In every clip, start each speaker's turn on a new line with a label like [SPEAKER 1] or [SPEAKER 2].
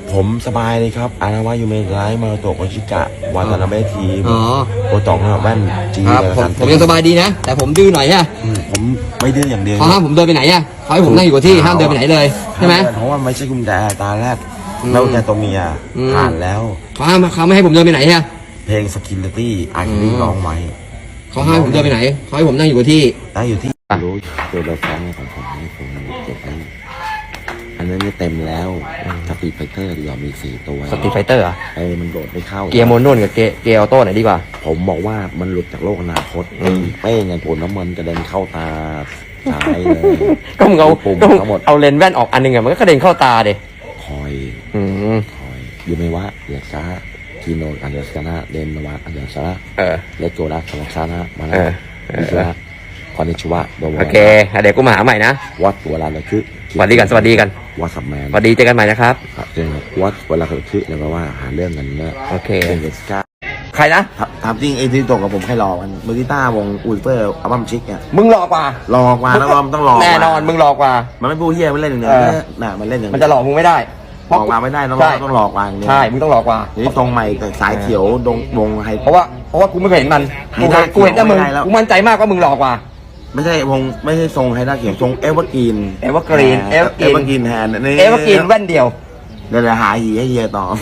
[SPEAKER 1] ผมสบายเลยครับอานาวายูเมะไลท์มาโตะโคชิกะวาตานาเบะทีมโอตองแว่นจี
[SPEAKER 2] ครับผมยังสบายดีนะแต่ผมดื้อหน่อยฮะ
[SPEAKER 1] ผมไม่ดื้ออย่างเดียว
[SPEAKER 2] เขาห้ามผมเดินไปไหนอะเขาให้ผมนั่งอยู่กับที่ห้ามเดินไปไหนเลยใช่ไหม
[SPEAKER 1] เพราะว่าไม่ใช่กุญแจตาแรกแล้วแต่ตัวเมียผ่านแล้ว
[SPEAKER 2] เขาไม่ให้ผมเดินไปไหนฮะ
[SPEAKER 1] เพลงสกินเลตี้อาคิริร้องไว้
[SPEAKER 2] เขาให้ผมเดินไปไหนเขาให้ผมนั่งอยู่กับที่
[SPEAKER 1] รู้ตัวละครของผมนี่ผมเก็บไว้อันนั้นเต็มแล้วสตรีทไฟเตอร์ดีกว่ามี4 ตัว
[SPEAKER 2] สตรีทไฟเตอร์อ่ะ
[SPEAKER 1] มันโดดไม่เข้า
[SPEAKER 2] เกียร์โมนุ่นกับเกียร์ออโต้ไหนดีกว่า
[SPEAKER 1] ผมบอกว่ามันหลุดจากโลกอนาคตเป้งไงผลน้ำมันกระเด็นเข้าตาซ้ายเลย
[SPEAKER 2] ก็มึงเอาปุ่มทั้งหมดเอาเลนส์แว่นออกอันนึงอะมันก็กระเด็นเข้าตาเด็
[SPEAKER 1] คอยอยู่ไหมวะเดียซ่ากิโนอันเดอร์ซานาเดนวาอันเดอร์ซานาเลโกราสลักซานามาแล้วคอนนิชวะ
[SPEAKER 2] โอเคเดี๋ยวกูมาหาใหม่นะ
[SPEAKER 1] วัดตัวลาเลยคือ
[SPEAKER 2] สวัสดีกัน
[SPEAKER 1] วัดสัมแมน
[SPEAKER 2] สวัสดีเจอกันใหม่นะครับ
[SPEAKER 1] เจอวัดเวลาเขาคือแล้วก็ว่าหาเรื่องกันนะ
[SPEAKER 2] โอเค
[SPEAKER 1] เดสกา
[SPEAKER 2] ใครนะ
[SPEAKER 1] ถามจริงไอ้ที่ตกกับผมใครรอกันมือกีตาร์วงอุลเฟอร์อัลบั้มชิคเนี่ย
[SPEAKER 2] มึงรอกว่า
[SPEAKER 1] แล้วมันต้องรอ
[SPEAKER 2] แน่นอนมึงรอกว่า
[SPEAKER 1] มันไม่พูดเฮียมันเล่นอย่างเดียวน่ะมันเล่นอย่าง
[SPEAKER 2] มันจะหลอกมึงไม่ได้
[SPEAKER 1] หลอกมาไม่ได้ต้องหลอกวาง
[SPEAKER 2] ใช่มึงต้องหลอกว่า
[SPEAKER 1] นี่ตรงใหม่กับสายเขียววงไฮ
[SPEAKER 2] เพราะว่ากูไม่เห็นมันกูเห็นแต่มึงกูมั่นใจมากว่ามึงหลอกว่า
[SPEAKER 1] ไม่ใช่ทรงไฮด้าเขียวทรงเอเวอร์กรีนแทน
[SPEAKER 2] นี่เอเวอร์กรีนแว่นเดียว
[SPEAKER 1] เดี๋ยวหาหีให้เฮียต่อ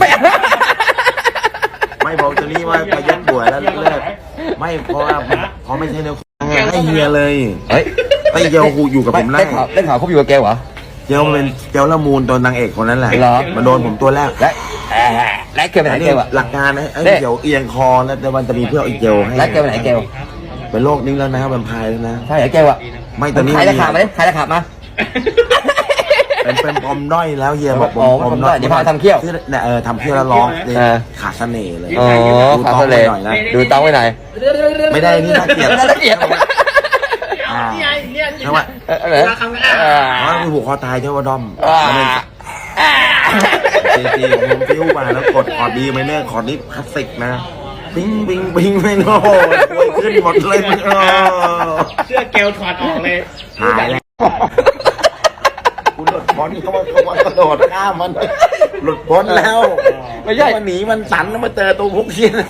[SPEAKER 1] ไม่บอกจะนี่ว่าไปยัดป่วยแล้วเลิกไม่เพราะว่าเขาไม่ใช่แนวให้เฮียเลยไอ้เกียวอยู่กับผม
[SPEAKER 2] ได้ข่าวเขาอยู่กับแกวะ
[SPEAKER 1] เกียวเป็นเกียวละมูลตัวนางเอกคนนั้นแหละมาโดนผมตัวแรก
[SPEAKER 2] และเกียวไปไหนเกียว
[SPEAKER 1] หลักการไอ้เกียวเอียงคอแล้วแต่วันจะมีเพื่อไอ้เกียวให้
[SPEAKER 2] และเกียวไปไหนเกียว
[SPEAKER 1] เป็นโรคนี้แล้วนะแวมไพร์แล้วนะ
[SPEAKER 2] ใช่เหรอเกียวอะ
[SPEAKER 1] ไม่ตอนนี้
[SPEAKER 2] ใครจะขาดมาใครจะขาดมา
[SPEAKER 1] เป็นปมด้อยแล้วเฮียบอก
[SPEAKER 2] ปมด้อยเดี๋ยวพาทำเขี้ยว
[SPEAKER 1] เนี่ยทำเขี้ยวแล้วร้องขาดเสน่ห์เลย
[SPEAKER 2] ขาดเสน่ห์ดูต้องไว้ไหน
[SPEAKER 1] ไม่ได้นี่น่าเกลียดใช่ไหมว่ามีหัวคอตายใช่ว่าด้อมตีผมฟิวมาแล้วกดคอร์ดดีไหมเนี่ยคอร์ดนี้คลาสสิกนะบิงไม่โน่ขึ้นหมดเลย
[SPEAKER 3] เสื้อเกลถอดออกเลย
[SPEAKER 1] หายแล้วคุณหลุดพ้นเขาว่ากระโดดข้ามมันหลุดพ้นแล้ว
[SPEAKER 2] ไม่ใช่
[SPEAKER 1] มันหนีมันสันแล้วมาเจอตัวพวกเชียน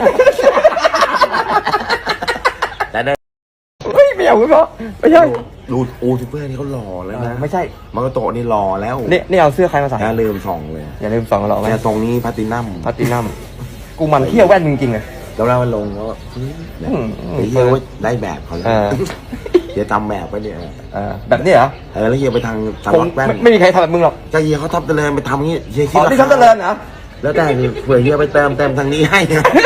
[SPEAKER 1] แต่ได้
[SPEAKER 2] ไม่เอาคุณพ่อไม่ใช่
[SPEAKER 1] ดูทูเปอร์นี่เขาหล่อแล้วนะ
[SPEAKER 2] ไม่ใช่
[SPEAKER 1] มันก็โตนี่หล่อแล้ว
[SPEAKER 2] นี่เอาเสื้อใครมาใส่
[SPEAKER 1] อย่าลืมส่องเลย
[SPEAKER 2] อย่าลืมส่องหรอ
[SPEAKER 1] แต่ตรงนี้พาตินัม
[SPEAKER 2] กูมันเที่ยวแว่นจริงๆเลย
[SPEAKER 1] แล้วมันลงแล้วเฮียได้แบบเขาเฮียจำแบบไปเนี่ย
[SPEAKER 2] แบบนี้เหรอ
[SPEAKER 1] แล้วเฮียไปทางสล็อตแว่น
[SPEAKER 2] ไม่มีใครทำแบบมึงหรอก
[SPEAKER 1] จะเฮียเขาทับเจริญไปทำงี้เฮียคิด
[SPEAKER 2] ว่าที่ทับเจริญนะ
[SPEAKER 1] แล้วแต่เผื่อเฮียไปเติมทางนี้ให้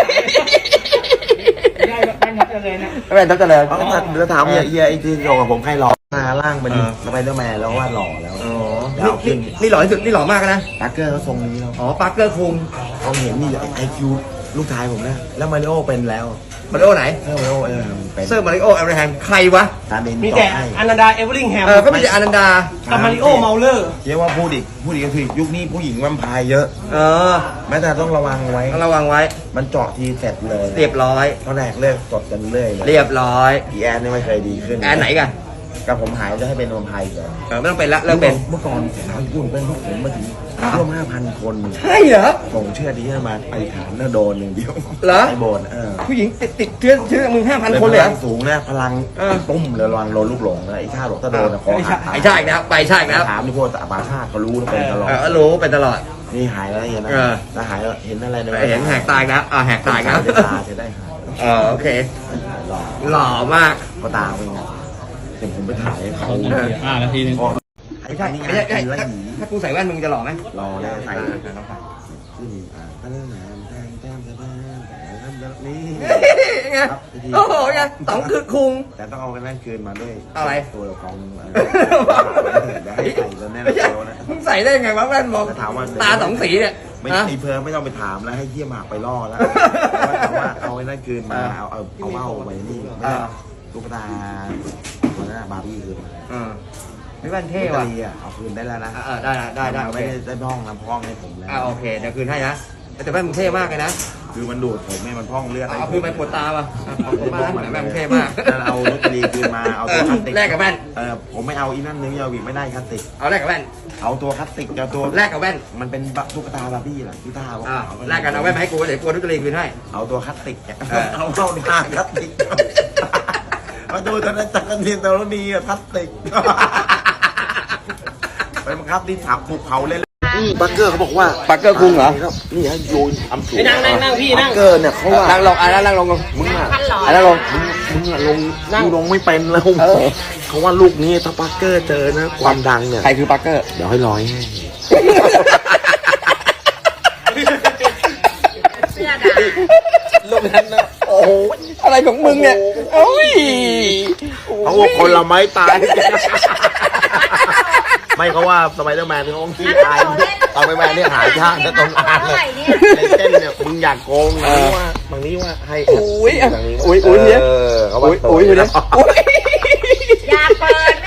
[SPEAKER 2] แว่นทับเจริญ
[SPEAKER 1] แล้วถามเฮียไอ้ที่โยกับผมใครหล่อหน้าล่างเป็นสไปเดอร์แมนแล้วว่าหล่อแล้ว
[SPEAKER 2] นี่หล่อที่สุดนี่หล่อมากนะ
[SPEAKER 1] ปาร์เกอร์เขาทรงนี้แล้ว
[SPEAKER 2] ปาร์เกอร์คุง
[SPEAKER 1] เขาเห็นนี่ไอคิวลูกชายผมนะแล้วมาริโอเป็นแล้ว
[SPEAKER 2] มาริโอไหน
[SPEAKER 1] มาริโอ
[SPEAKER 2] เซอร์มาริโอเอเวอร์แฮมใครวะ
[SPEAKER 3] มีแต่อนันดาเอเวอร์ลิงแฮม
[SPEAKER 2] ก็มีแต่อนันดา
[SPEAKER 3] กับมาริโอเมาเลอร์
[SPEAKER 1] เรียกว่าพูดอีกก็คือยุคนี้ผู้หญิงแวมไพร์เยอะแม้แต่ต้องระวังไว้มันเจาะทีเสร็จเลย
[SPEAKER 2] เรียบร้อย
[SPEAKER 1] ตอนแรกเลิกกดกันเรื่อย
[SPEAKER 2] เรียบร้อย
[SPEAKER 1] แอนนี่ไม่เคยดีขึ้น
[SPEAKER 2] แอนไหนกัน
[SPEAKER 1] กับผมหายจะให้เป็นแวมไพร์ก่อน
[SPEAKER 2] ไม่ต้องเป็นละเลิกเป็น
[SPEAKER 1] เมื่อก่อนสาวญี่ปุ่นเป็นพวกผมมาถึงร่วม 5,000 คน
[SPEAKER 2] ใช่เหรอ
[SPEAKER 1] ส่งเชื่อดีมาไปฐานแล้วโดนอย่างเดียว
[SPEAKER 2] เหรอ
[SPEAKER 1] ไอโบน
[SPEAKER 2] ผู้หญิงติดเชื้อมึง 5,000 คนเลย
[SPEAKER 1] พลังสูงนะพลังตุ้มเลยระวังโดนลูกหลงนะไอ้ชาหลงถ้าโดนนะคอหัก
[SPEAKER 2] ไอ้ชาอีกแล้วไปชาอีกแล้ว
[SPEAKER 1] ถามที่พวกอาบาชาเขารู้แล้วเป็นตลอด
[SPEAKER 2] รู้เป็นตลอด
[SPEAKER 1] นี่หายแล้วเห็นนะแล้วหายแล้วเห็นอะไร
[SPEAKER 2] เห็นแหกตายแล้วแหกตายแล้ว
[SPEAKER 1] ตาจะได้หาย
[SPEAKER 2] โอเคหล่อมาก
[SPEAKER 1] ก็ตาเป็นไงเดี๋ยวผมไปถ่ายเขา
[SPEAKER 3] นาทีนึง
[SPEAKER 2] ไม่ใช่ถ้ากูใส่แว่นมึงจะหล่อไหม
[SPEAKER 1] หล่อเลยใส่
[SPEAKER 2] นี่ไงโอ้โหไงต้องคือคุง
[SPEAKER 1] แต่ต้องเอากันนั่นคืนมาด้วย
[SPEAKER 2] อะไร
[SPEAKER 1] ตัวละคร
[SPEAKER 2] มึงใส่ได้ไงวะแว่นบอกตาสองสีเนี่ย
[SPEAKER 1] ไม่ตีเพลิไม่ต้องไปถามแล้วให้เยี่ยมหากไปล่อแล้วว่าเอาไอ้นั่นคืนมาเอาเมาไปนี่ลูกตาตัวนั้นบาร์บี้คืนมา
[SPEAKER 2] ไม่แว่นเท่ว่ะ
[SPEAKER 1] เอาคืนได้แล้วนะ
[SPEAKER 2] ได้
[SPEAKER 1] ไม่ได้พ้องน้ำพ้องให้ผมแล้ว
[SPEAKER 2] โอเคเดี๋ยวคืนให้นะแต่แว่นมึงเท่มากเลยนะ
[SPEAKER 4] คือมันดูดผมแม่มันพองเลือด
[SPEAKER 2] เอาคือไปปวดตาป่ะขอบคุณมากนะแม่งเท่มาก
[SPEAKER 4] เอารถตรีคืนมาเอาตัวคลาสติก
[SPEAKER 2] แลกกับแว่น
[SPEAKER 4] ผมไม่เอาอีนั่นนึงยาวิกไม่ได้คลาสติก
[SPEAKER 2] เอาแลกกับแว่น
[SPEAKER 4] เอาตัวคลาสติกเอาตัว
[SPEAKER 2] แลกกับแว่น
[SPEAKER 4] มันเป็นตุ๊กตาบาร์บี้แหละที่ท่าว่า
[SPEAKER 2] แลกกันเอาแว่นมาให้กูเดี๋ยวกูนุกรีคืนให้
[SPEAKER 4] เอาตัวคลาสติกเอาเข้าหน้าคลาสติกมาดูตอนนั้นจักรเทียนตัวนี้คลาสติกไปบังคับที่ถับภูเขาเลย
[SPEAKER 1] บัคเกอร์เขาบอกว่า
[SPEAKER 2] ปักเกอร์คุงเหรอ
[SPEAKER 1] นี่ฮะโยนทำสูง
[SPEAKER 3] ไอ้นั่งพี่
[SPEAKER 1] บั
[SPEAKER 3] นั่ง
[SPEAKER 1] คเกอร์เนี่ยเขาว่า
[SPEAKER 2] นั่งลงนั่งลง
[SPEAKER 1] มึงอะ
[SPEAKER 2] นั่งลง
[SPEAKER 1] มึงอะลงกูลงไม่เป็นแล้วเขาว่าลูกนี้ถ้าบัคเกอร์เจอนะความดังเนี่ย
[SPEAKER 2] ใครคือปักเกอร์
[SPEAKER 1] เดี๋ยวให้ร้อยให้
[SPEAKER 2] ลูกนั้นนะโอ้โหอะไรของมึงเนี่ยโอ้ย
[SPEAKER 1] เขาว่าคนละไม้ตาย ไม่เขาว่าสไปเดอร์แมนเขาขี้ตายสไปเดอร์แมนเนี่ยหายากนะตรงอ่านเลยในเส้นเนี่ยมึงอยากโกงนะว่าบางนี้ว่าให้
[SPEAKER 2] อุ้ย
[SPEAKER 1] ทางนี้
[SPEAKER 2] อุ้ยเนี่ย
[SPEAKER 1] เขาว่า
[SPEAKER 2] อุ้ยเนี่ยอุ้ย
[SPEAKER 5] อย่าเปิด